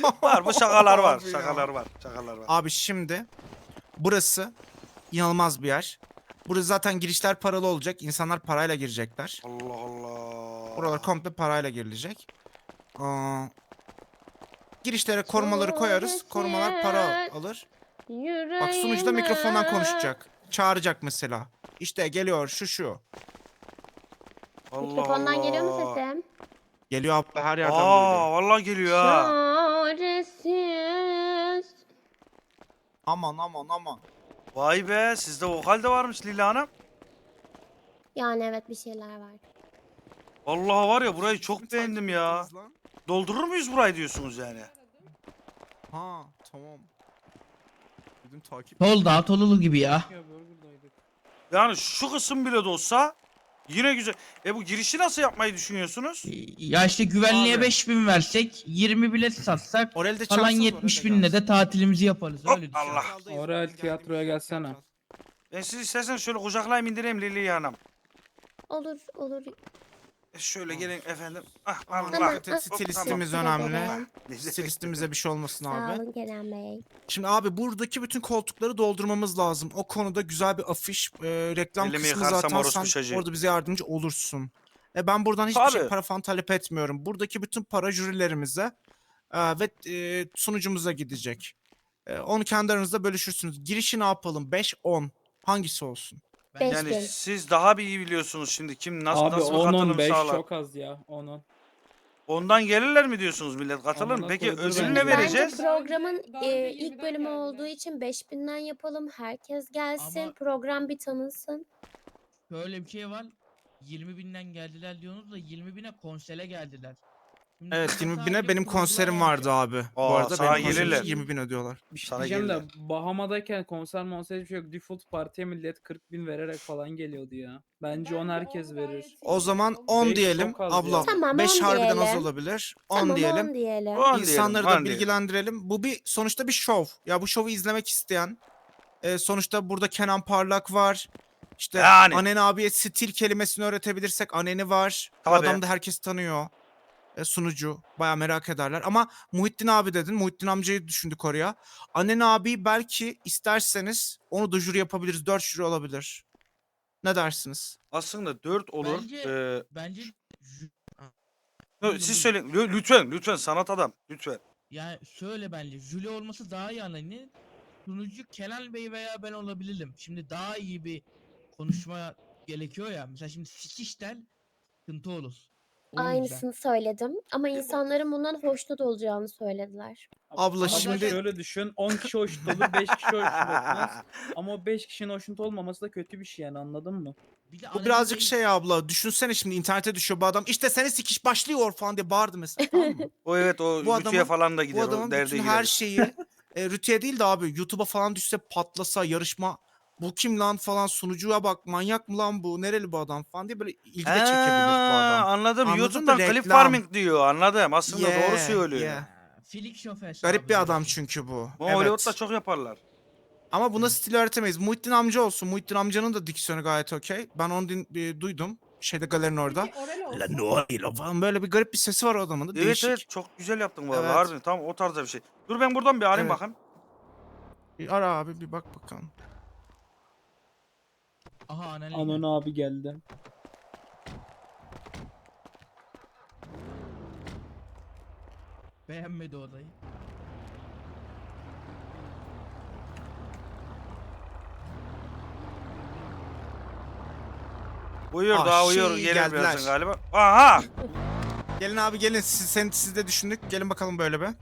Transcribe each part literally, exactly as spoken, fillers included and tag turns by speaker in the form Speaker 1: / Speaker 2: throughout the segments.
Speaker 1: Var bu şakalar var.
Speaker 2: Abi ya.
Speaker 1: Şakalar var. Şakalar var.
Speaker 2: Abi şimdi burası inanılmaz bir yer. Burası zaten girişler paralı olacak. İnsanlar parayla girecekler.
Speaker 1: Allah Allah.
Speaker 2: Buralar komple parayla girilecek. Aa, girişlere korumaları koyarız. Korumalar para alır. Bak sunucu da mikrofondan konuşacak. Çağıracak mesela. İşte geliyor şu şu.
Speaker 1: Allah
Speaker 3: Mikrofondan
Speaker 1: Allah.
Speaker 3: geliyor mu sesim?
Speaker 2: Geliyor abla her yerden duyuluyor.
Speaker 1: Aa vallahi geliyor ha.
Speaker 3: Çaresiz.
Speaker 2: Aman aman aman.
Speaker 1: Vay be sizde vokal de varmış Lila Hanım.
Speaker 3: Yani evet bir şeyler var.
Speaker 1: Vallahi var ya burayı çok
Speaker 2: Takip
Speaker 1: beğendim ya.
Speaker 2: ettiniz lan.
Speaker 1: Doldurur muyuz burayı diyorsunuz yani?
Speaker 2: Ha tamam. Dedim takip.
Speaker 4: Tol daha Tolulu gibi ya.
Speaker 1: Yani şu kısım bile de olsa yine güzel. E bu girişi nasıl yapmayı düşünüyorsunuz?
Speaker 4: Ya işte güvenliğe
Speaker 1: Abi.
Speaker 4: beş bin versek yirmi bilet satsak
Speaker 2: Orelde
Speaker 4: falan
Speaker 2: çalsanız
Speaker 4: yetmiş
Speaker 2: Orelde
Speaker 4: binle
Speaker 2: gelsin.
Speaker 4: de tatilimizi yaparız
Speaker 1: Hop,
Speaker 4: öyle düşün.
Speaker 1: Allah.
Speaker 5: Orel tiyatroya gelsene.
Speaker 1: Ben sizi istersen şöyle kucaklayayım indireyim Lili Hanım.
Speaker 3: Olur olur.
Speaker 1: E şöyle gelin efendim. Ah
Speaker 2: Aman
Speaker 1: Allah.
Speaker 3: Tamam.
Speaker 2: dikkat et,
Speaker 1: Hop,
Speaker 2: stilistimiz
Speaker 3: tamam.
Speaker 2: önemli.
Speaker 3: Teşekkür
Speaker 2: Stilistimize bir şey olmasın
Speaker 3: Sağ
Speaker 2: abi.
Speaker 3: olun Kerem Bey.
Speaker 2: Şimdi abi buradaki bütün koltukları doldurmamız lazım. O konuda güzel bir afiş, e, reklam
Speaker 1: Elimi
Speaker 2: kısmı
Speaker 1: yıkarsam
Speaker 2: zaten
Speaker 1: orospu
Speaker 2: sen
Speaker 1: çocuğu.
Speaker 2: orada bize yardımcı olursun. E ben buradan hiçbir şey
Speaker 1: Tabii.
Speaker 2: para falan talep etmiyorum. Buradaki bütün para jürilerimize e, ve e, sunucumuza gidecek. E, onu kendi aranızda bölüşürsünüz. Girişi ne yapalım? beş on. Hangisi olsun?
Speaker 3: Beş
Speaker 1: Yani
Speaker 3: bin.
Speaker 1: siz daha bir iyi biliyorsunuz şimdi kim nasıl
Speaker 5: Abi
Speaker 1: nasıl bir
Speaker 5: on
Speaker 1: katılım
Speaker 5: on beş
Speaker 1: sağlar.
Speaker 5: çok az ya. on on.
Speaker 1: Ondan gelirler mi diyorsunuz millet katılır mı?
Speaker 5: Amına
Speaker 1: Peki
Speaker 5: koydum
Speaker 1: ödül
Speaker 5: ben.
Speaker 1: ne vereceğiz?
Speaker 3: Bence programın
Speaker 6: Daha önce
Speaker 3: e,
Speaker 6: yirmiden
Speaker 3: ilk bölümü
Speaker 6: geldiler.
Speaker 3: olduğu için beş binden yapalım. Herkes gelsin.
Speaker 4: Ama-
Speaker 3: Program bir tanınsın.
Speaker 4: Şöyle bir şey var. yirmi binden geldiler diyorsunuz da yirmi bine konsere geldiler. Şimdi
Speaker 2: Evet
Speaker 4: burada
Speaker 2: yirmi
Speaker 4: sadece
Speaker 2: bine benim
Speaker 4: kurgular
Speaker 2: konserim
Speaker 4: olacak.
Speaker 2: vardı abi. Bu
Speaker 1: Aa,
Speaker 2: arada
Speaker 1: sana
Speaker 2: benim konserim
Speaker 1: gelirler.
Speaker 2: için yirmi bin ödüyorlar.
Speaker 5: Bir şey
Speaker 1: Sana
Speaker 5: diyeceğim de
Speaker 1: gelirler.
Speaker 5: Bahama'dayken konser monser hiçbir şey yok. Default partiye millet kırk bin vererek falan geliyordu ya. Bence on
Speaker 6: Bence
Speaker 5: herkes
Speaker 6: onu gayet
Speaker 5: verir.
Speaker 6: iyi
Speaker 2: O zaman
Speaker 6: olur.
Speaker 2: on
Speaker 5: Beş
Speaker 2: diyelim
Speaker 5: çok az
Speaker 2: abla.
Speaker 5: ya.
Speaker 3: Tamam,
Speaker 2: beş
Speaker 3: on
Speaker 2: harbiden az
Speaker 3: diyelim.
Speaker 2: olabilir. on
Speaker 3: Tamam
Speaker 2: diyelim.
Speaker 3: on diyelim.
Speaker 1: On
Speaker 2: İnsanları
Speaker 1: diyelim,
Speaker 2: da
Speaker 1: on diyelim.
Speaker 2: bilgilendirelim. Bu bir sonuçta bir şov. Ya bu şovu izlemek isteyen e, sonuçta burada Kenan Parlak var. İşte
Speaker 1: Yani.
Speaker 2: Anen abiye stil kelimesini öğretebilirsek Anen'i var. Bu
Speaker 1: Tabii.
Speaker 2: adamı da herkes tanıyor. E, sunucu. Baya merak ederler. Ama Muhittin abi dedin. Muhittin amcayı düşündük oraya. Anen abi belki isterseniz onu da jüri yapabiliriz. Dört jüri olabilir. Ne dersiniz?
Speaker 1: Aslında dört olur.
Speaker 4: Bence-
Speaker 1: Ee,
Speaker 4: Bence jü- Ha.
Speaker 1: no, siz söyleyin Lü- lütfen lütfen sanat adam lütfen.
Speaker 4: Yani şöyle bence jüri olması daha iyi anlayın. Sunucu Kenan Bey veya ben olabilirim. Şimdi daha iyi bir konuşma gerekiyor ya. Mesela şimdi sikişten sıkıntı olur. O yüzden.
Speaker 3: Aynısını söyledim. Ama insanların bundan hoşnut olacağını söylediler.
Speaker 2: Abla
Speaker 5: Ama
Speaker 2: şimdi-
Speaker 5: şöyle düşün. on kişi hoşnut olur, beş kişi hoşnut olmaz. Ama o beş kişinin hoşnut olmaması da kötü bir şey yani, anladın mı?
Speaker 4: Bir de
Speaker 2: Bu
Speaker 4: Anadolu
Speaker 2: birazcık
Speaker 4: Bey-
Speaker 2: şey abla. Düşünsene şimdi internete düşüyor bu adam. İşte seni sikiş başlıyor falan diye bağırdı mesela. Tamam mı?
Speaker 1: O evet o
Speaker 2: Bu
Speaker 1: Rütü'ye
Speaker 2: adamın-
Speaker 1: falan da
Speaker 2: Bu
Speaker 1: gider o
Speaker 2: adamın
Speaker 1: derde
Speaker 2: bütün
Speaker 1: girer.
Speaker 2: her şeyi e, Rütü'ye değil de abi YouTube'a falan düşse patlasa yarışma bu kim lan falan sunucuya bak manyak mı lan bu nereli bu adam falan diye böyle ilgi de çekebilir bu
Speaker 1: Ha,
Speaker 2: adam.
Speaker 1: anladım.
Speaker 2: Anladın
Speaker 1: YouTube'dan
Speaker 2: mı?
Speaker 1: clip
Speaker 2: Reklam.
Speaker 1: farming diyor. Anladım. Aslında doğru
Speaker 2: Yeah,
Speaker 1: söylüyor.
Speaker 2: yeah.
Speaker 4: Filik şoför.
Speaker 2: Garip bir adam çünkü bu.
Speaker 1: Bu
Speaker 2: Evet.
Speaker 1: Hollywood'da çok yaparlar.
Speaker 2: Ama buna stil öğretemeyiz. Muhittin amca olsun. Muhittin amcanın da diksiyonu gayet okey. Ben onu din- e, duydum. Şeyde galerinin orada.
Speaker 6: Peki Orel olsun.
Speaker 2: La no ilo falan böyle bir garip bir sesi var o adamın da.
Speaker 1: Evet
Speaker 2: Değişik.
Speaker 1: evet çok güzel yaptın vallahi.
Speaker 2: Evet.
Speaker 1: Harbiden tam o tarzda bir şey. Dur ben buradan bir arayayım
Speaker 2: Evet.
Speaker 1: bakayım.
Speaker 2: Bir ara abi bir bak bakalım.
Speaker 4: Aha anneanne.
Speaker 5: Anon abi geldi.
Speaker 4: Beğenmedi odayı.
Speaker 1: Uyuyor
Speaker 2: Ah,
Speaker 1: daha uyuyor.
Speaker 2: şey,
Speaker 1: Gelir
Speaker 2: geldiler.
Speaker 1: birazdan galiba. Aha!
Speaker 2: Gelin abi gelin. Siz, sen, siz de düşündük. Gelin bakalım böyle be.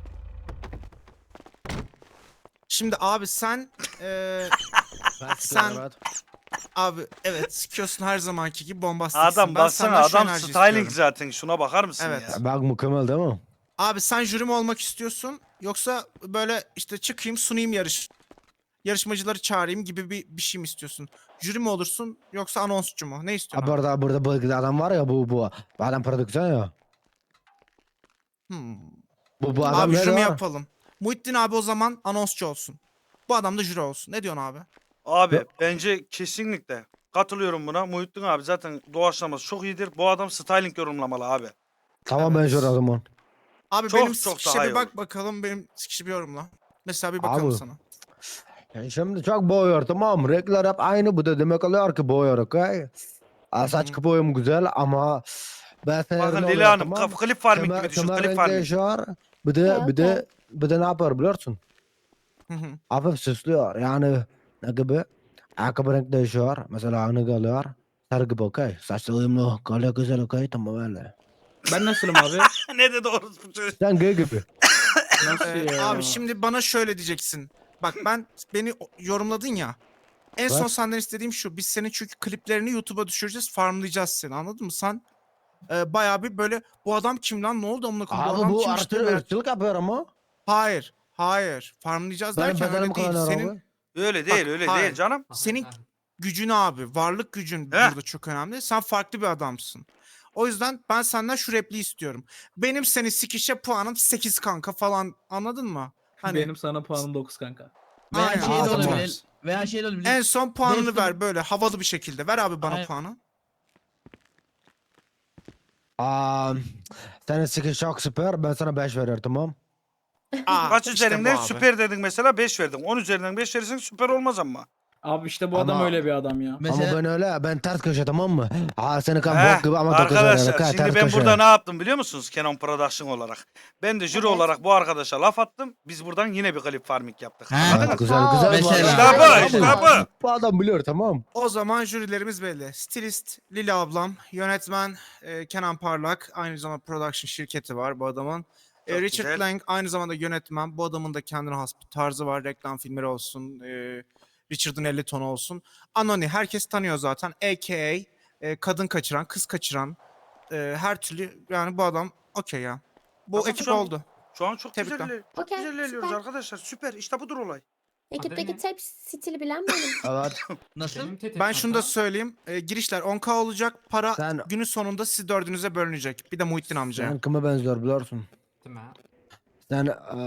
Speaker 2: Şimdi abi sen eee sen abi evet sikiyorsun her zamanki gibi bombastiksin.
Speaker 1: Adam
Speaker 2: Ben
Speaker 1: baksana
Speaker 2: senden şu
Speaker 1: adam
Speaker 2: enerji
Speaker 1: styling
Speaker 2: istiyorum.
Speaker 1: zaten. Şuna bakar mısın
Speaker 2: Evet.
Speaker 1: ya?
Speaker 7: Bak mükemmel değil mi?
Speaker 2: Abi sen jüri mi olmak istiyorsun yoksa böyle işte çıkayım sunayım yarış yarışmacıları çağırayım gibi bir, bir şey mi istiyorsun? Jüri mi olursun yoksa anonsçu mu? Ne
Speaker 7: Ha,
Speaker 2: istiyorsun? abi?
Speaker 7: burada burada bu adam var ya bu bu. Bu adam prodüksiyon ya.
Speaker 2: Hmm.
Speaker 7: Bu bu adam
Speaker 2: Abi
Speaker 7: nerede
Speaker 2: jüri mi
Speaker 7: var?
Speaker 2: yapalım? Muhittin abi o zaman anonsçu olsun. Bu adam da jüri olsun. Ne diyorsun abi?
Speaker 1: Abi
Speaker 7: Ya-
Speaker 1: bence kesinlikle katılıyorum buna. Muhittin abi zaten doğaçlaması çok iyidir. Bu adam styling yorumlamalı abi.
Speaker 7: Tamam ben
Speaker 2: Evet.
Speaker 7: şurada o zaman.
Speaker 2: Abi
Speaker 1: Çok
Speaker 2: benim
Speaker 1: çok
Speaker 2: sikişe
Speaker 1: daha
Speaker 2: bir
Speaker 1: iyi
Speaker 2: bak
Speaker 1: olur.
Speaker 2: bakalım. Benim sikişe bir yorumla. Mesela bir bakalım
Speaker 7: Abi.
Speaker 2: sana.
Speaker 7: Yani şimdi çok boyuyor tamam mı? Renkler hep aynı. Bu da demek oluyor ki boyuyor okey? Aa, saç
Speaker 2: hı.
Speaker 7: boyum güzel ama ben
Speaker 1: Bakın
Speaker 7: ne
Speaker 1: Leyla
Speaker 7: oluyor
Speaker 1: Hanım
Speaker 7: tamam?
Speaker 1: kaf- klip farming
Speaker 7: Kemer,
Speaker 1: gibi düşün.
Speaker 7: kemer
Speaker 1: Klip
Speaker 7: renk
Speaker 1: farming.
Speaker 7: değişiyor. Bir
Speaker 3: Okey,
Speaker 7: de bir de
Speaker 3: okey.
Speaker 7: bir de ne yapıyor biliyorsun?
Speaker 2: Hı hı.
Speaker 7: Hafif süslüyor. Yani ne gibi? Ayakkabı renk değişiyor. Mesela aynı geliyor. Sarı gibi okey. Saçlı uyumlu. Kolye güzel okey. Tamam öyle.
Speaker 5: Ben nasılım abi?
Speaker 1: Ne dedi orospu çocuğu?
Speaker 7: Sen gay gibi.
Speaker 5: Nasıl
Speaker 2: Ee,
Speaker 5: ya?
Speaker 2: abi şimdi bana şöyle diyeceksin. Bak ben beni o- yorumladın ya. En son
Speaker 7: Evet.
Speaker 2: senden istediğim şu. Biz senin çünkü kliplerini YouTube'a düşüreceğiz. Farmlayacağız seni. Anladın mı? Sen e, bayağı bir böyle bu adam kim lan? Ne oldu amına koyayım? Bu
Speaker 7: Abi
Speaker 2: adam
Speaker 7: bu
Speaker 2: kimmiş diye
Speaker 7: artı
Speaker 2: merak.
Speaker 7: ırkçılık yapıyor ama.
Speaker 2: Hayır. Hayır. Farmlayacağız
Speaker 7: Benim
Speaker 2: derken
Speaker 7: bedenim
Speaker 2: öyle değil.
Speaker 7: kullanıyor
Speaker 2: Senin
Speaker 7: abi.
Speaker 1: Öyle
Speaker 2: Bak,
Speaker 1: değil öyle
Speaker 2: hayır.
Speaker 1: değil canım.
Speaker 2: senin gücün abi. Varlık gücün
Speaker 1: Heh.
Speaker 2: burada çok önemli. Sen farklı bir adamsın. O yüzden ben senden şu repliği istiyorum. Benim seni sikişe puanım sekiz kanka falan. Anladın mı? Hani
Speaker 5: Benim sana puanım dokuz kanka.
Speaker 4: Veya
Speaker 2: Aynen,
Speaker 4: şey de
Speaker 7: tamam.
Speaker 4: olabilir. Veya şey de olabilir.
Speaker 2: en son puanını
Speaker 4: Dostum-
Speaker 2: ver böyle havalı bir şekilde. Ver abi bana
Speaker 4: Aynen.
Speaker 2: puanı.
Speaker 7: Aa, senin sikiş çok süper. Ben sana beş veriyorum tamam.
Speaker 2: Aa,
Speaker 1: Kaç
Speaker 2: işte
Speaker 1: üzerinden
Speaker 2: bu abi.
Speaker 1: süper dedin mesela beş verdin. on üzerinden beş verirsen süper olmaz ama.
Speaker 5: Abi işte bu adam
Speaker 7: Ama-
Speaker 5: öyle bir adam ya.
Speaker 4: Mesela
Speaker 7: Ama ben öyle. Ben ters köşe tamam mı? Aa seni kan
Speaker 1: Heh,
Speaker 7: bok gibi ama dokuz veriyorum.
Speaker 1: arkadaşlar
Speaker 7: okey?
Speaker 1: şimdi
Speaker 7: Ters
Speaker 1: ben
Speaker 7: köşe.
Speaker 1: burada ne yaptım biliyor musunuz Canon Production olarak? Ben de jüri
Speaker 3: Evet.
Speaker 1: olarak bu arkadaşa laf attım. Biz buradan yine bir klip farming yaptık.
Speaker 4: He.
Speaker 1: Anladın
Speaker 7: Evet,
Speaker 1: mı?
Speaker 7: güzel
Speaker 3: Sağ ol.
Speaker 7: güzel.
Speaker 4: Mesela-
Speaker 1: İşte bu,
Speaker 3: Aynen.
Speaker 1: işte
Speaker 3: Sağ ol.
Speaker 1: bu.
Speaker 7: Bu adam biliyor tamam.
Speaker 2: O zaman jürilerimiz belli. Stilist Lili ablam, yönetmen e, Kenan Parlak, aynı zamanda production şirketi var bu adamın. E,
Speaker 1: Çok
Speaker 2: Richard
Speaker 1: güzel.
Speaker 2: Lang aynı zamanda yönetmen. Bu adamın da kendine has bir tarzı var. Reklam filmleri olsun, e, Richard'ın elli tonu olsun. Anoni herkes tanıyor zaten. A K A e, kadın kaçıran, kız kaçıran e, her türlü yani bu adam okey ya. Bu
Speaker 1: Tamam,
Speaker 2: ekip
Speaker 1: şu an-
Speaker 2: oldu.
Speaker 1: Şu an çok
Speaker 2: Tebrikler.
Speaker 1: güzel, çok
Speaker 3: Okey,
Speaker 1: güzel ilerliyoruz
Speaker 3: süper.
Speaker 1: arkadaşlar. Süper. İşte budur olay.
Speaker 3: Ekipteki
Speaker 6: ne?
Speaker 3: tek stili bilen benim.
Speaker 7: Evet.
Speaker 4: nasıl?
Speaker 6: Benim tetek
Speaker 2: Ben şunu da
Speaker 6: kanka.
Speaker 2: söyleyeyim. E, girişler on K olacak. Para
Speaker 7: Sen-
Speaker 2: günün sonunda siz dördünüze bölünecek. Bir de Muhittin amcaya.
Speaker 7: Sen kime benziyor biliyorsun?
Speaker 6: Değil mi?
Speaker 7: Sen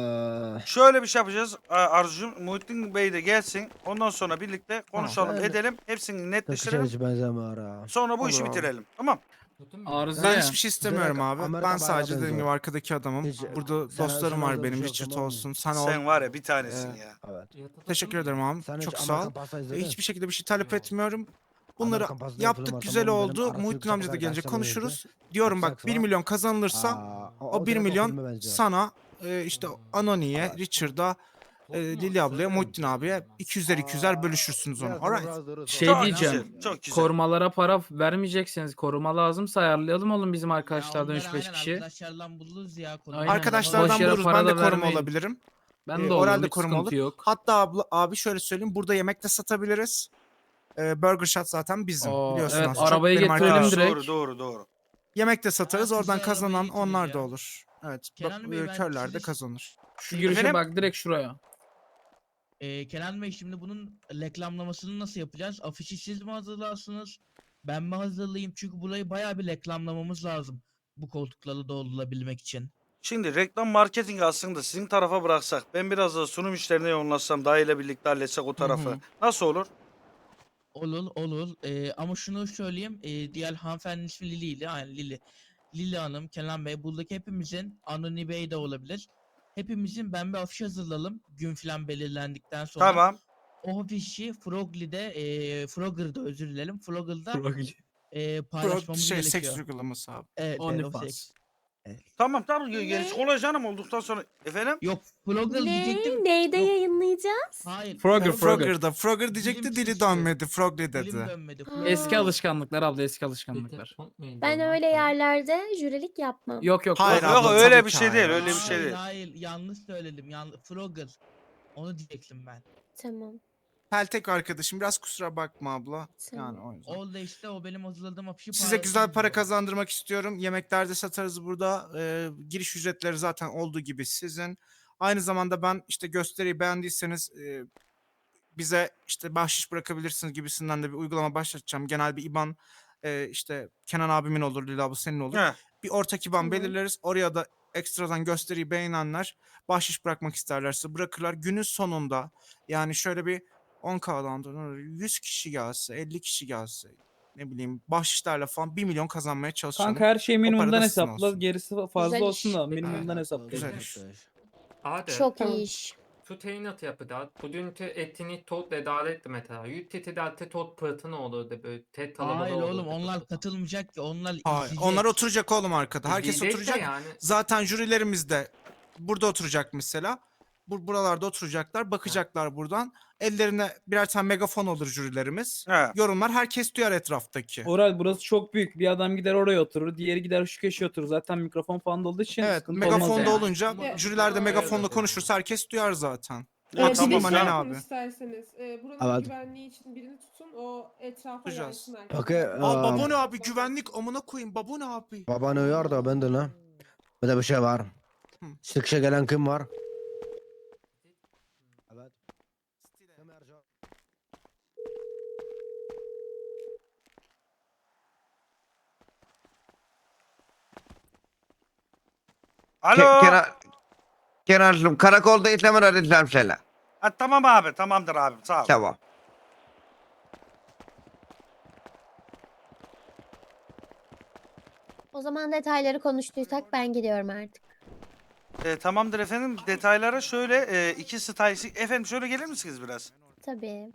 Speaker 7: eee
Speaker 1: Şöyle bir şey yapacağız A- Arzucuğum. Muhittin Bey de gelsin. Ondan sonra birlikte konuşalım,
Speaker 7: Sen-
Speaker 1: edelim. Hepsini
Speaker 7: tek
Speaker 1: netleştirelim.
Speaker 7: hiç benzemiyor ha.
Speaker 1: Sonra bu
Speaker 2: Olur
Speaker 1: işi
Speaker 2: abi.
Speaker 1: bitirelim. Tamam.
Speaker 6: Tuttun mu?
Speaker 5: Arıza
Speaker 2: Ben
Speaker 5: ya.
Speaker 2: hiçbir şey istemiyorum
Speaker 7: Direkt
Speaker 2: abi.
Speaker 7: Amerika
Speaker 2: Ben
Speaker 7: bayağı
Speaker 2: sadece dediğim
Speaker 7: benziyor.
Speaker 2: gibi arkadaki adamım.
Speaker 7: Hiç-
Speaker 2: Burada
Speaker 7: Sen-
Speaker 2: dostlarım
Speaker 7: sen
Speaker 2: var
Speaker 7: öyle bir
Speaker 2: benim.
Speaker 7: şey yok,
Speaker 2: Richard
Speaker 7: tamam mı?
Speaker 2: olsun. Sen
Speaker 1: Sen
Speaker 2: ol.
Speaker 1: var ya bir tanesin
Speaker 2: Ee,
Speaker 1: ya.
Speaker 7: Evet.
Speaker 6: Ya, tuttun
Speaker 2: Teşekkür
Speaker 6: mu?
Speaker 2: ederim abi.
Speaker 7: Sen hiç
Speaker 2: Çok sağ
Speaker 7: Amerikan
Speaker 2: ol.
Speaker 7: pasta
Speaker 2: Ee,
Speaker 7: izledin?
Speaker 2: Hiçbir şekilde bir şey talep
Speaker 6: Yok.
Speaker 2: etmiyorum. Bunları
Speaker 7: Amerikan pasta yapılımı
Speaker 2: yaptık.
Speaker 7: var,
Speaker 2: Güzel
Speaker 7: tamam mı? Benim
Speaker 2: oldu.
Speaker 7: arası
Speaker 2: Muhittin
Speaker 7: yüksek
Speaker 2: amca da
Speaker 7: kadar
Speaker 2: gelecek.
Speaker 7: derslerim
Speaker 2: Konuşuruz.
Speaker 7: neydi?
Speaker 2: Diyorum bak
Speaker 7: Saks
Speaker 2: bir
Speaker 7: var.
Speaker 2: milyon kazanılırsa
Speaker 7: Aa,
Speaker 2: o bir
Speaker 7: direkt
Speaker 2: milyon
Speaker 7: filme benziyor.
Speaker 2: sana e, işte Anoni'ye, Richard'a, e, Lili ablaya, Muhittin abiye iki yüzer iki yüzer bölüşürsünüz onu.
Speaker 7: Biraz
Speaker 2: Alright.
Speaker 7: biraz dururuz.
Speaker 5: Şey
Speaker 1: Çok
Speaker 5: diyeceğim.
Speaker 1: güzel, çok güzel.
Speaker 5: Korumalara para vermeyeceksiniz. Koruma lazımsa ayarlayalım oğlum bizim arkadaşlardan
Speaker 4: Ya
Speaker 5: üç
Speaker 4: onları
Speaker 5: beş
Speaker 4: aynen
Speaker 5: kişi.
Speaker 4: Arkadaşlardan buluruz ya. konu-
Speaker 5: Aynen.
Speaker 2: Arkadaşlardan
Speaker 5: Boş yere
Speaker 2: buluruz.
Speaker 5: para
Speaker 2: Ben de
Speaker 5: da
Speaker 2: koruma
Speaker 5: vermeyin.
Speaker 2: olabilirim.
Speaker 5: Ben
Speaker 2: Ee,
Speaker 5: de
Speaker 2: oralde
Speaker 5: olurum hiç
Speaker 2: koruma
Speaker 5: sıkıntı
Speaker 2: olur.
Speaker 5: yok.
Speaker 2: Hatta abla, abi şöyle söyleyeyim. Burada yemek de satabiliriz. Ee, Burger Shot zaten bizim.
Speaker 5: Oo,
Speaker 2: Biliyorsun
Speaker 5: evet,
Speaker 2: az çok.
Speaker 5: arabayı
Speaker 2: Benim
Speaker 5: getirelim
Speaker 2: arkadaşım.
Speaker 5: direkt.
Speaker 1: Doğru doğru doğru.
Speaker 2: Yemek de satarız.
Speaker 4: Aa,
Speaker 2: Oradan
Speaker 4: kızı
Speaker 2: kazanan
Speaker 4: arabaya getirir
Speaker 2: onlar da
Speaker 4: ya.
Speaker 2: olur. Evet.
Speaker 4: Kenan
Speaker 2: bak,
Speaker 4: Bey,
Speaker 2: e,
Speaker 4: ben
Speaker 2: körler de
Speaker 4: sizi-
Speaker 2: kazanır.
Speaker 5: Şu girişe
Speaker 1: Efendim?
Speaker 5: bak direkt şuraya.
Speaker 4: Ee, Kenan Bey şimdi bunun reklamlamasını nasıl yapacağız? Afişi siz mi hazırlarsınız? Ben mi hazırlayayım? Çünkü burayı bayağı bir reklamlamamız lazım. Bu koltukları doldurabilmek için.
Speaker 1: Şimdi reklam marketing aslında sizin tarafa bıraksak, ben biraz da sunum işlerine yoğunlaşsam, daha ile birlikte halletsek o tarafı.
Speaker 2: hı.
Speaker 1: Nasıl olur?
Speaker 4: Olur olur. Ee, ama şunu söyleyeyim. Ee, diğer hanımefendinin ismi Lili ile. Aynen Lili. Lili Hanım, Kenan Bey. Buradaki hepimizin, Anoni Bey de olabilir. Hepimizin ben bir afiş hazırlayalım. Gün falan belirlendikten sonra.
Speaker 1: Tamam.
Speaker 4: O afişi Frogly'de, e, Frogger'da özür dilerim. Frogger'da e,
Speaker 2: Pro,
Speaker 4: paylaşmamız
Speaker 2: şey,
Speaker 4: gerekiyor.
Speaker 2: seks uygulaması abi.
Speaker 4: Evet, evet, o
Speaker 5: OnlyFans.
Speaker 4: seks.
Speaker 1: Tamam tamam
Speaker 3: Ne?
Speaker 1: gerisi kolay canım olduktan sonra. Efendim?
Speaker 4: Yok, Frogger
Speaker 3: Ne?
Speaker 4: diyecektim.
Speaker 3: Neyde
Speaker 4: Yok.
Speaker 3: yayınlayacağız?
Speaker 4: Hayır.
Speaker 5: Frogger,
Speaker 2: Frogger,
Speaker 5: Frogger.
Speaker 2: Frogger'da. Frogger diyecekti
Speaker 4: Dilim
Speaker 2: dili
Speaker 4: sürçtü.
Speaker 2: dönmedi. Frogly
Speaker 4: Dilim
Speaker 2: dedi.
Speaker 4: dönmedi.
Speaker 3: Aa.
Speaker 5: Eski alışkanlıklar abla eski alışkanlıklar.
Speaker 3: Ben öyle yerlerde jürilik yapmam.
Speaker 5: Yok yok.
Speaker 2: Hayır
Speaker 1: Yok,
Speaker 5: yok.
Speaker 2: abla,
Speaker 1: öyle
Speaker 2: tabii
Speaker 1: bir
Speaker 2: ki
Speaker 1: şey
Speaker 2: hayır.
Speaker 1: değil, öyle bir şey
Speaker 4: Hayır,
Speaker 1: değil.
Speaker 4: hayır, yanlış söyledim. Yanlış. Frogger. Onu diyecektim ben.
Speaker 3: Tamam.
Speaker 2: Peltek arkadaşım biraz kusura bakma abla.
Speaker 3: Tamam.
Speaker 2: Yani o yüzden.
Speaker 4: Orada işte o benim hazırladığım afişi
Speaker 2: Size güzel para
Speaker 4: paylaşırız.
Speaker 2: kazandırmak istiyorum. Yemeklerde satarız burada. Ee, giriş ücretleri zaten olduğu gibi sizin. Aynı zamanda ben işte gösteriyi beğendiyseniz e, bize işte bahşiş bırakabilirsiniz gibisinden de bir uygulama başlatacağım. Genel bir IBAN e, işte Kenan abimin olur, Lila bu senin olur.
Speaker 1: He.
Speaker 2: Bir ortak IBAN
Speaker 3: Tamam.
Speaker 2: belirleriz. Oraya da ekstradan gösteriyi beğenenler bahşiş bırakmak isterlerse bırakırlar. Günün sonunda yani şöyle bir on K'dan yüz kişi gelse, elli kişi gelse, ne bileyim bahşişlerle falan bir milyon kazanmaya çalışanım.
Speaker 5: Kanka her şeyi
Speaker 2: para da
Speaker 5: minimumdan
Speaker 2: sizin
Speaker 5: hesapla.
Speaker 2: olsun.
Speaker 5: Gerisi fazla
Speaker 3: Güzel
Speaker 5: olsun
Speaker 3: iş.
Speaker 5: da minimumdan
Speaker 7: Ha,
Speaker 5: hesapla.
Speaker 2: Güzel
Speaker 7: güzel
Speaker 2: iş.
Speaker 7: iş.
Speaker 6: Hadi.
Speaker 3: Çok
Speaker 6: Tamam.
Speaker 3: iyi iş.
Speaker 6: Tu teynat yapıda. Bugün te etini tot edalet mesela. Yütteti delte tot pırtına olurdu böyle. Tet talabalı
Speaker 4: Hayır
Speaker 6: olurdu.
Speaker 4: oğlum onlar katılmayacak ki onlar
Speaker 2: Hayır,
Speaker 4: izleyecek.
Speaker 2: onlar oturacak oğlum arkada. Herkes
Speaker 6: İzleyecek de
Speaker 2: oturacak.
Speaker 6: yani.
Speaker 2: Zaten jürilerimiz de burada oturacak mesela. Bu buralarda oturacaklar, bakacaklar buradan. Ellerine birer tane megafon olur jürilerimiz.
Speaker 1: He.
Speaker 2: Yorumlar herkes duyar etraftaki.
Speaker 5: Oral burası çok büyük. Bir adam gider oraya oturur. Diğeri gider şu köşeye oturur. Zaten mikrofon falan da olduğu için
Speaker 2: Evet,
Speaker 5: sıkıntı olmaz
Speaker 2: megafonda
Speaker 5: yani.
Speaker 2: olunca
Speaker 8: Evet.
Speaker 2: jüriler de
Speaker 8: Evet,
Speaker 2: megafonla
Speaker 6: evet.
Speaker 2: konuşursa herkes duyar zaten.
Speaker 1: Ya
Speaker 8: Ee,
Speaker 2: Haksız
Speaker 8: bir de
Speaker 1: tamam
Speaker 2: mı
Speaker 8: şey
Speaker 2: Manen
Speaker 1: ya.
Speaker 8: yapın
Speaker 2: abi?
Speaker 8: isterseniz. Ee, buranın
Speaker 7: Evet.
Speaker 8: güvenliği için birini tutun. O etrafa
Speaker 2: Tutacağız.
Speaker 8: yaysın herkes.
Speaker 7: Okey.
Speaker 2: Aa
Speaker 7: Aa,
Speaker 2: babone abi güvenlik amına koyayım babone abi.
Speaker 7: Baban uyar da ben de ne? Bir de bir şey var.
Speaker 2: Hı.
Speaker 7: Çıkışa gelen kim var? Evet. Kim Ercan?
Speaker 1: Alo.
Speaker 9: Ke- Kenar, Kenarcığım karakolda işlem arayacağım seni.
Speaker 1: Ha, tamam abi tamamdır abi sağ ol.
Speaker 9: Tamam.
Speaker 3: O zaman detayları konuştuysak ben gidiyorum artık.
Speaker 1: E, tamamdır efendim. Detaylara şöyle e, iki style... Efendim şöyle gelir misiniz biraz?
Speaker 3: Tabii.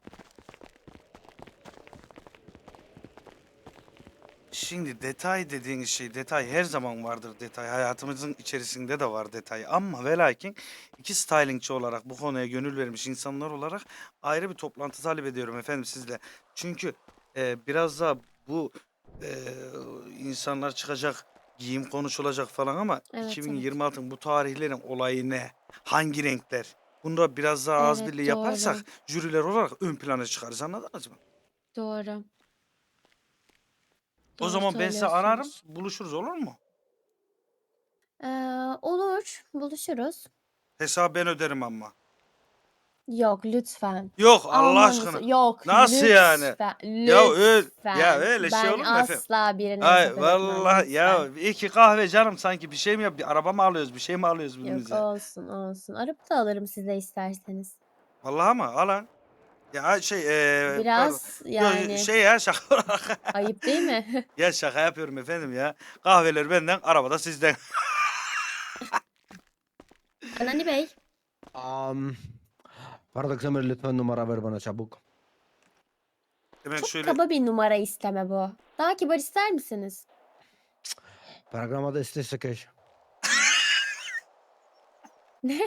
Speaker 1: Şimdi detay dediğiniz şey, detay her zaman vardır detay. Hayatımızın içerisinde de var detay. Ama ve lakin iki stylingçi olarak bu konuya gönül vermiş insanlar olarak ayrı bir toplantı talep ediyorum efendim sizle. Çünkü e, biraz da bu e, insanlar çıkacak, giyim konuşulacak falan ama
Speaker 3: Evet,
Speaker 1: iki bin yirmi altının bu tarihlerin olayı ne? Hangi renkler? Bunu biraz daha az
Speaker 3: Evet,
Speaker 1: birliği yaparsak
Speaker 3: doğru.
Speaker 1: jüriler olarak ön plana çıkarız, anladınız mı?
Speaker 3: Doğru.
Speaker 1: O
Speaker 3: Doğru
Speaker 1: zaman ben size ararım,
Speaker 3: söylüyorsunuz.
Speaker 1: buluşuruz olur mu?
Speaker 3: Ee, olur. Buluşuruz.
Speaker 1: Hesabı ben öderim ama.
Speaker 3: Yok lütfen.
Speaker 1: Yok Allah
Speaker 3: Aman
Speaker 1: aşkına.
Speaker 3: lütfen. Yok
Speaker 1: Nasıl yani?
Speaker 3: lütfen.
Speaker 1: Ya öyle,
Speaker 3: Lütfen.
Speaker 1: ya öyle şey
Speaker 3: Ben
Speaker 1: olur mu efendim?
Speaker 3: asla birine
Speaker 1: Ay
Speaker 3: hesap ödetmem,
Speaker 1: vallahi ya
Speaker 3: lütfen.
Speaker 1: iki kahve canım sanki bir şey mi yap? Bir araba mı alıyoruz? Bir şey mi alıyoruz
Speaker 3: Yok
Speaker 1: birbirimize?
Speaker 3: olsun olsun. Arap da alırım size isterseniz.
Speaker 1: Vallahi mı? Alan. Ya şey eee pardon.
Speaker 3: Biraz
Speaker 1: Yo,
Speaker 3: yani
Speaker 1: şey ya şaka olarak.
Speaker 3: ayıp değil mi?
Speaker 1: Ya şaka yapıyorum efendim ya. Kahveler benden, arabada sizden.
Speaker 3: Anani Bey.
Speaker 7: Um, Bardak Samir lütfen numara ver bana çabuk.
Speaker 1: Hemen
Speaker 3: Çok
Speaker 1: şöyle
Speaker 3: kaba bir numara isteme bu. Daha kibar ister misiniz?
Speaker 7: Programda istese keş.
Speaker 3: Ne?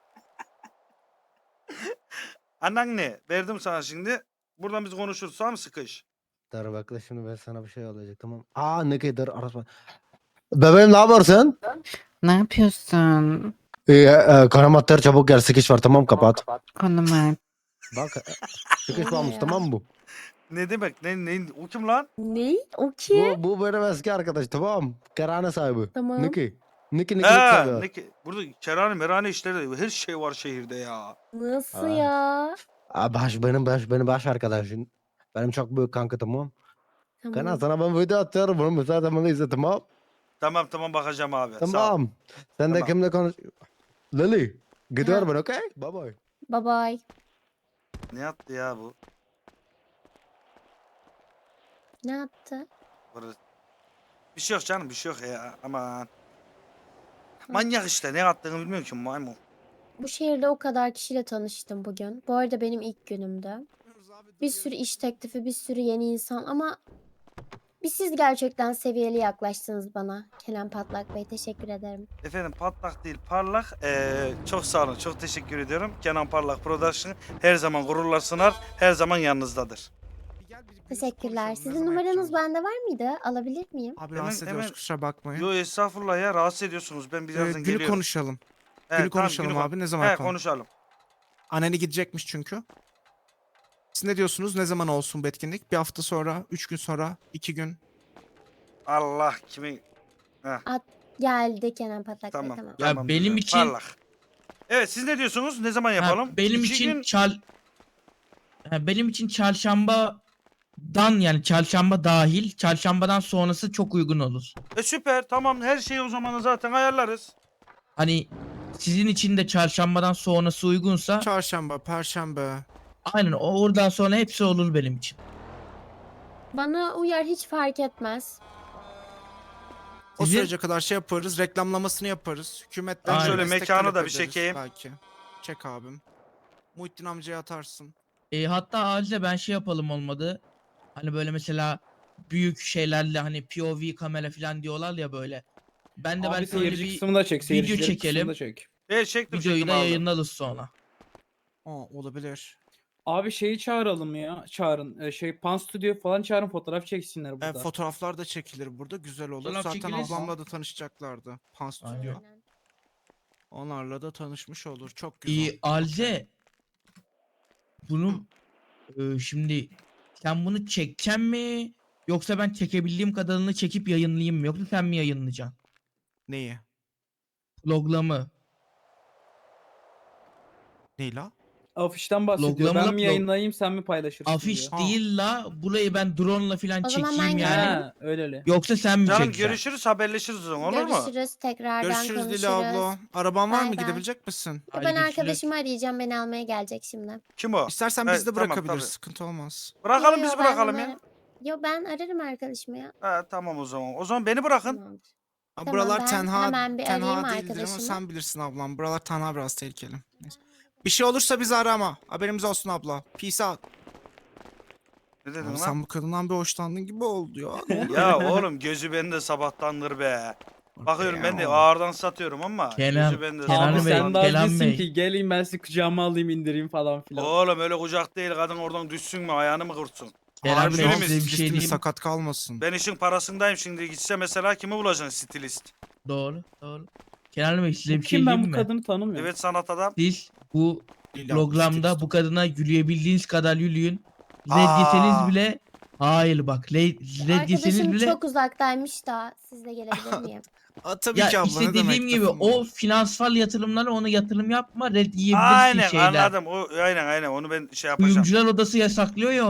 Speaker 1: anan ne? Verdim sana şimdi. Buradan biz konuşuruz, tamam mı sıkış?
Speaker 7: Dur bekle şimdi ben sana bir şey olacak tamam. Aa ne kadar arasma. Bebeğim ne yapıyorsun?
Speaker 10: Ne yapıyorsun?
Speaker 7: Ee, e, kanamatlar çabuk gel sıkış var tamam kapat.
Speaker 10: Konuma.
Speaker 7: Bak e, sıkış
Speaker 3: Oluyor
Speaker 7: varmış
Speaker 3: ya.
Speaker 7: tamam mı bu?
Speaker 1: Ne demek? Ne, ne, o kim lan?
Speaker 3: Ne? O kim?
Speaker 7: Bu, bu benim eski arkadaş tamam. Kerane sahibi.
Speaker 3: Tamam.
Speaker 7: Niki. Niki Niki
Speaker 1: Ha,
Speaker 7: seviyor.
Speaker 1: ne ki? Burada kerane merane işleri de her şey var şehirde ya.
Speaker 3: Nasıl
Speaker 7: Aa.
Speaker 3: ya?
Speaker 7: Aa, baş, benim baş, benim baş arkadaşım. Benim çok büyük kanka tamam. Kana
Speaker 3: Tamam.
Speaker 7: sana ben video atıyorum bunu müsaade bana izle tamam.
Speaker 1: Tamam tamam bakacağım abi. Sağ ol.
Speaker 7: Tamam. Sen de
Speaker 1: Tamam.
Speaker 7: kimle konuş... Lily. Gidiyorum
Speaker 3: Ha.
Speaker 7: ben okey? Bye bye.
Speaker 3: Bye bye.
Speaker 1: Ne yaptı ya bu?
Speaker 3: Ne yaptı?
Speaker 1: Burası. Bir şey yok canım, bir şey yok ya. Aman. Manyak işte, ne yaptığını bilmiyorum ki maymun.
Speaker 3: Bu şehirde o kadar kişiyle tanıştım bugün. Bu arada benim ilk günümdü. Bir sürü iş teklifi, bir sürü yeni insan ama bir siz gerçekten seviyeli yaklaştınız bana. Kenan Patlak Bey teşekkür ederim.
Speaker 1: Efendim patlak değil parlak. Ee, çok sağ olun, çok teşekkür ediyorum. Kenan Parlak Production her zaman gururlar sunar, her zaman yanınızdadır.
Speaker 2: Bir gel, bir- bir yüz
Speaker 3: Teşekkürler.
Speaker 2: konuşalım, ne
Speaker 3: Sizin
Speaker 2: zaman
Speaker 3: numaranız
Speaker 2: yapacağız?
Speaker 3: bende var mıydı? Alabilir miyim?
Speaker 2: Abi
Speaker 1: Hemen-
Speaker 2: rahatsız ediyoruz
Speaker 1: hemen-
Speaker 2: kusura bakmayın.
Speaker 1: Yo estağfurullah ya, rahatsız ediyorsunuz. Ben
Speaker 2: Ee,
Speaker 1: birazdan
Speaker 2: günü
Speaker 1: geliyorum.
Speaker 2: konuşalım.
Speaker 1: He,
Speaker 2: günü
Speaker 1: tamam,
Speaker 2: konuşalım
Speaker 1: kon-
Speaker 2: abi, ne zaman
Speaker 1: He,
Speaker 2: yapalım?
Speaker 1: konuşalım.
Speaker 2: Anneni gidecekmiş çünkü. Siz ne diyorsunuz? Ne zaman olsun bu etkinlik? Bir hafta sonra, üç gün sonra, iki gün.
Speaker 1: Allah kimi...
Speaker 3: Geldi Kenan Patlak
Speaker 1: Tamam.
Speaker 3: Bey tamam.
Speaker 4: Ya
Speaker 1: tamam,
Speaker 4: benim
Speaker 1: güzel,
Speaker 4: için-
Speaker 1: Parlak. Evet siz ne diyorsunuz? Ne zaman
Speaker 4: Ha,
Speaker 1: yapalım?
Speaker 4: benim
Speaker 1: İki
Speaker 4: için
Speaker 1: gün-
Speaker 4: çal Ha, benim için çarşambadan yani çarşamba dahil çarşambadan sonrası çok uygun olur.
Speaker 1: E süper tamam, her şeyi o zaman zaten ayarlarız.
Speaker 4: Hani sizin için de çarşambadan sonrası uygunsa
Speaker 2: Çarşamba, perşembe.
Speaker 4: aynen o- oradan sonra hepsi olur benim için.
Speaker 3: Bana uyar, hiç fark etmez.
Speaker 2: O
Speaker 4: Sizin-
Speaker 2: sürece kadar şey yaparız, reklamlamasını yaparız. Hükümetten
Speaker 4: Aynen.
Speaker 1: Şöyle
Speaker 2: destek
Speaker 1: mekanı
Speaker 2: talep
Speaker 1: da bir
Speaker 2: ederiz
Speaker 1: çekeyim.
Speaker 2: Belki. Çek abim. Muhittin amcaya atarsın.
Speaker 4: E, hatta acize ben şey yapalım olmadı. Hani böyle mesela büyük şeylerle hani P O V kamera falan diyorlar ya böyle. Ben de
Speaker 5: Abi
Speaker 4: belki öyle
Speaker 5: seyirci
Speaker 4: bir
Speaker 5: kısmını da çek.
Speaker 4: video
Speaker 5: Seyircilerin kısmını
Speaker 4: çekelim.
Speaker 5: da çek.
Speaker 1: E çektim
Speaker 4: videoyu
Speaker 1: çektim
Speaker 4: da
Speaker 1: aldım.
Speaker 4: yayınlarız sonra.
Speaker 2: Aa, olabilir.
Speaker 5: Abi şeyi çağıralım ya. Çağırın. Ee, şey Pan Studio falan çağırın, fotoğraf çeksinler
Speaker 2: E,
Speaker 5: burada.
Speaker 2: fotoğraflar da çekilir burada. Güzel olur.
Speaker 4: Fotoğraf
Speaker 2: Zaten
Speaker 4: çekiliriz.
Speaker 2: ablamla da tanışacaklardı. Pan Studio.
Speaker 4: Aynen.
Speaker 2: Onlarla da tanışmış olur. Çok güzel.
Speaker 4: İyi Alce. Bunu e, şimdi sen bunu çekeceksin mi? Yoksa ben çekebildiğim kadarını çekip yayınlayayım mı? Yoksa sen mi yayınlayacaksın?
Speaker 2: Neyi?
Speaker 4: Vloglamı.
Speaker 2: Neyi la?
Speaker 5: Afişten bahsediyor.
Speaker 4: Loglamla
Speaker 5: Ben mi
Speaker 4: log-
Speaker 5: yayınlayayım, sen mi paylaşırsın
Speaker 4: Afiş
Speaker 5: diyor.
Speaker 2: Ha.
Speaker 4: değil la. Burayı ben drone'la falan
Speaker 3: O zaman
Speaker 4: çekeyim
Speaker 3: ben
Speaker 4: yani.
Speaker 3: gelirim.
Speaker 5: Ha, öyle öyle.
Speaker 4: Yoksa sen mi
Speaker 1: Canım
Speaker 4: çekeceksin?
Speaker 1: görüşürüz haberleşiriz o zaman olur mu?
Speaker 3: Görüşürüz, tekrardan
Speaker 2: Görüşürüz
Speaker 3: konuşuruz.
Speaker 2: Dila abla. Araban var
Speaker 3: Bay
Speaker 2: mı?
Speaker 3: bay.
Speaker 2: Gidebilecek misin?
Speaker 3: Ben
Speaker 4: Haydi
Speaker 3: arkadaşımı arayacağım, beni almaya gelecek şimdi.
Speaker 1: Kim o?
Speaker 2: İstersen
Speaker 1: Evet,
Speaker 2: biz de
Speaker 1: tamam,
Speaker 2: bırakabiliriz.
Speaker 1: tabii.
Speaker 2: Sıkıntı olmaz.
Speaker 1: Bırakalım
Speaker 3: Yo,
Speaker 1: biz
Speaker 3: yo, ben
Speaker 1: bırakalım
Speaker 3: onu
Speaker 1: ya.
Speaker 3: ara- Yo, ben ararım arkadaşımı ya.
Speaker 1: Ha, tamam o zaman. O zaman beni bırakın.
Speaker 3: Tamamdır.
Speaker 2: Ha,
Speaker 3: Tamam,
Speaker 2: buralar
Speaker 3: ben
Speaker 2: tenha,
Speaker 3: hemen bir arayayım
Speaker 2: tenha değildir ama
Speaker 3: arkadaşımı.
Speaker 2: sen bilirsin ablam. Buralar tenha, biraz tehlikeli. Neyse. Bir şey olursa bizi arama. Haberimiz olsun abla. Peace out.
Speaker 1: Ne dedin
Speaker 2: Abi
Speaker 1: lan?
Speaker 2: sen bu kadından bir hoşlandın gibi oldu ya. Ne oldu?
Speaker 1: Ya oğlum gözü bende sabahtandır be. Bakıyorum ben de
Speaker 2: Ya.
Speaker 1: ağırdan satıyorum ama
Speaker 4: Kenan-
Speaker 1: gözü bende
Speaker 4: Kenan
Speaker 5: Abi
Speaker 4: Bey,
Speaker 5: sen
Speaker 1: sabahtandır.
Speaker 5: daha
Speaker 4: Kenan
Speaker 5: değilsin
Speaker 4: Bey.
Speaker 5: ki geleyim ben sizi kucağıma alayım, indireyim falan filan.
Speaker 1: Oğlum öyle kucak değil, kadın oradan düşsün mü ayağını mı kırtsın?
Speaker 4: Kenan
Speaker 2: Harbi
Speaker 4: Bey
Speaker 2: lan,
Speaker 1: size bir
Speaker 4: şey
Speaker 2: stilistimiz
Speaker 4: diyeyim.
Speaker 2: sakat kalmasın.
Speaker 1: Ben işin parasındayım şimdi, gitse mesela kimi bulacaksın stilist?
Speaker 4: Doğru, doğru. Kenan Bey size
Speaker 5: Bu
Speaker 4: bir şey
Speaker 5: kim, ben
Speaker 4: diyeyim
Speaker 5: bu
Speaker 4: mi?
Speaker 5: kadını tanımıyorum.
Speaker 1: Evet sanat adam.
Speaker 4: Siz bu
Speaker 2: Lila,
Speaker 4: programda
Speaker 2: stilist.
Speaker 4: bu kadına gülüyebildiğiniz kadar gülüyün. Red
Speaker 1: Aa.
Speaker 4: yeseniz bile hayır bak red, red yeseniz
Speaker 3: Arkadaşım
Speaker 4: bile
Speaker 3: çok uzaktaymış da siz de gelebilir miyim?
Speaker 2: Aa, tabii
Speaker 4: ya
Speaker 2: ki abla,
Speaker 4: işte
Speaker 2: ne
Speaker 4: dediğim
Speaker 2: demek
Speaker 4: gibi
Speaker 2: lafım
Speaker 4: o
Speaker 2: var.
Speaker 4: finansal yatırımlara ona yatırım yapma, red yiyebilirsin
Speaker 1: Aynen
Speaker 4: şeyler.
Speaker 1: anladım. O aynen aynen onu ben şey yapacağım.
Speaker 4: Kuyumcular odası yasaklıyor ya